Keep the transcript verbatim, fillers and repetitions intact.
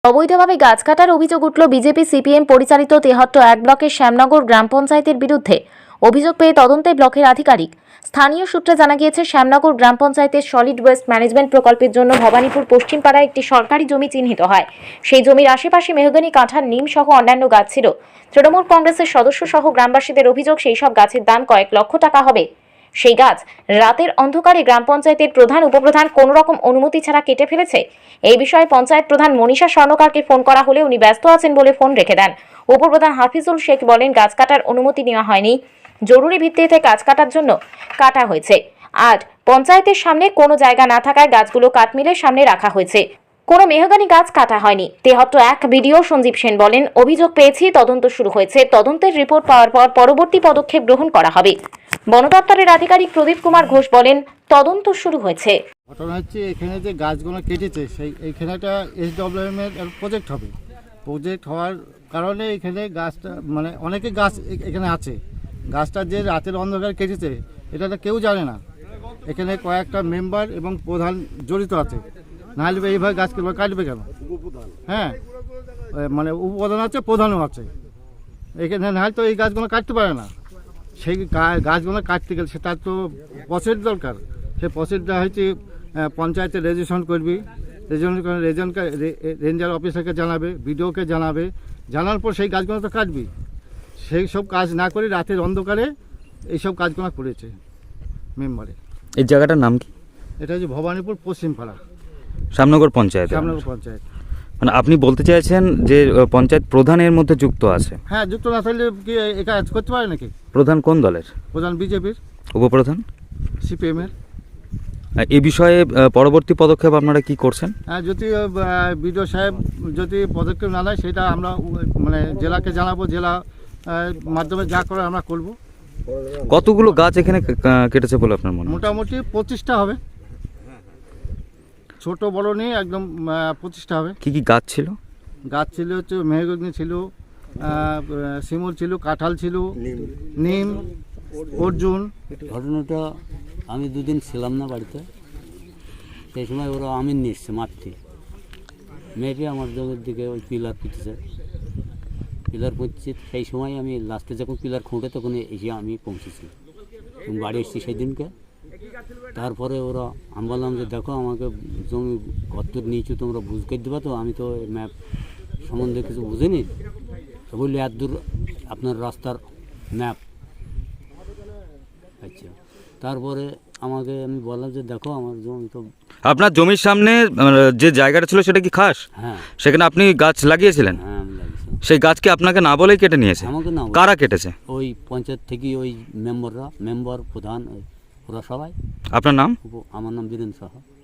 অবৈধভাবে গাছ কাটার অভিযোগ উঠল বিজেপি সিপিএম পরিচালিত তেহট্ট এক ব্লকের শ্যামনগর গ্রাম পঞ্চায়েতের বিরুদ্ধে। অভিযোগ পেয়ে তদন্তে ব্লকের আধিকারিক। স্থানীয় সূত্রে জানা গিয়েছে, শ্যামনগর গ্রাম পঞ্চায়েতের সলিড ওয়েস্ট ম্যানেজমেন্ট প্রকল্পের জন্য ভবানীপুর পশ্চিমপাড়ায় একটি সরকারি জমি চিহ্নিত হয়। সেই জমির আশেপাশে মেহগনি, কাঁঠাল, নিম সহ অন্যান্য গাছ ছিল। তৃণমূল কংগ্রেসের সদস্য সহ গ্রামবাসীদের অভিযোগ, সেই সব গাছের দাম কয়েক লক্ষ টাকা হবে। সেই গাছ রাতের অন্ধকারে গ্রাম পঞ্চায়েতের প্রধান উপপ্রধান কোনো রকম অনুমতি ছাড়া কেটে ফেলেছে। এই বিষয়ে পঞ্চায়েত প্রধান মনীষা স্বর্ণকারকে ফোন করা হলে উনি ব্যস্ত আছেন বলে ফোন রেখে দেন। উপপ্রধান হাফিজুল শেখ বলেন, গাছ কাটার অনুমতি নেওয়া হয়নি, জরুরি ভিত্তিতে গাছ কাটার জন্য কাটা হয়েছে। আর পঞ্চায়েতের সামনে কোনো জায়গা না থাকায় গাছগুলো কাঠমিলের সামনে রাখা হয়েছে। কোনো মেহগনি গাছ কাটা হয়নি। তেহট্ট এক বিডিও সঞ্জীব সেন বলেন, অভিযোগ পেয়েছি, তদন্ত শুরু হয়েছে। তদন্তের রিপোর্ট পাওয়ার পর পরবর্তী পদক্ষেপ গ্রহণ করা হবে। বন দপ্তরের আধিকারিক প্রদীপ কুমার ঘোষ বলেন, তদন্ত শুরু হয়েছে। ঘটনা হচ্ছে, এখানে যে গাছগুলো কেটেছে সেই এইখানে একটা এসডব্লিউএম এর প্রজেক্ট হবে। প্রজেক্ট হওয়ার কারণে এখানে গাছটা মানে অনেকে গাছ এখানে আছে। গাছটা যে রাতের অন্ধকার কেটেছে এটা তো কেউ জানে না। এখানে কয়েকটা মেম্বার এবং প্রধান জড়িত আছে, নাহলে এইভাবে গাছ কাটবে কেন? হ্যাঁ, মানে উপপ্রধান আছে, প্রধানও আছে এখানে, নাহলে তো এই গাছগুলো কাটতে পারে না। সেই গাছগুলো কাটতে গেলে সেটার তো প্রসেস দরকার। সেই প্রসেসটা হচ্ছে পঞ্চায়েতে রেজিস্ট্রেশন করবি, রেজিস্ট্রেশন করে রেজনকে রেঞ্জার অফিসারকে জানাবে, বিডিওকে জানাবে, জানার পর সেই গাছগুলো তো কাটবি। সেই সব কাজ না করে রাতের অন্ধকারে এইসব কাজগুলো করেছে মেম্বারে। এই জায়গাটার নাম কি? এটা হচ্ছে ভবানীপুর পশ্চিমপাড়া, শ্যামনগর পঞ্চায়েত। শ্যামনগর পঞ্চায়েত। মানে আপনি বলতে চাইছেন যে পঞ্চায়েত প্রধানের মধ্যে যুক্ত আছে? হ্যাঁ, যুক্ত না থাকলে কি এই কাজ করতে পারে নাকি? প্রধান কোন দলের? প্রধান বিজেপির। উপপ্রধান সিপিএমের। এই বিষয়ে পরবর্তী পদক্ষেপ আপনারা কি করছেন? হ্যাঁ, যদি বিডিও সাহেব যদি পদক্ষেপ না নেয় সেটা আমরা মানে জেলাকে জানাবো, জেলা মাধ্যমে যা করে আমরা করব। কতগুলো গাছ এখানে কেটেছে বলে আপনার মনে হয়? মোটামুটি পঁচিশটা হবে, ছোট বড় নিয়ে একদম পঁচিশটা হবে। কি কি গাছ ছিল? গাছ ছিল হচ্ছে মেহগনি ছিল, শিমুল ছিল, কাঁঠাল ছিল, নিম, অর্জুন। ঘটনাটা আমি দুদিন ছিলাম না বাড়িতে, সেই সময় ওরা আমিন নিয়ে এসছে মারতে, মেয়েটি আমার জমির দিকে ওই পিলার পুঁতেছে, পিলার পুঁতছে। সেই সময় আমি লাস্টে যখন পিলার খুঁটে তখন এসে আমি পৌঁছেছি এবং বাড়ি এসেছি সেই দিনকে। তারপরে ওরা আমি বললাম যে দেখো, আমাকে জমি কত নিচু তোমরা বুঝ করে দেবা, তো আমি তো ম্যাপ সম্বন্ধে কিছু বুঝিনি। তো বললি এত দূর আপনার রাস্তার ম্যাপ। আচ্ছা, তারপরে আমাকে আমি বললাম যে দেখো আমার জমি তো। আপনার জমির সামনে যে জায়গাটা ছিল সেটা কি খাস? হ্যাঁ, সেখানে আপনি গাছ লাগিয়েছিলেন? হ্যাঁ আমি লাগিয়েছিলাম। সেই গাছকে আপনাকে না বলেই কেটে নিয়েছে? আমাকে না। কারা কেটেছে? ওই পঞ্চায়েত থেকে ওই মেম্বাররা, মেম্বার প্রধান ওরা সবাই। আপনার নাম? আমার নাম বীরেন সাহা।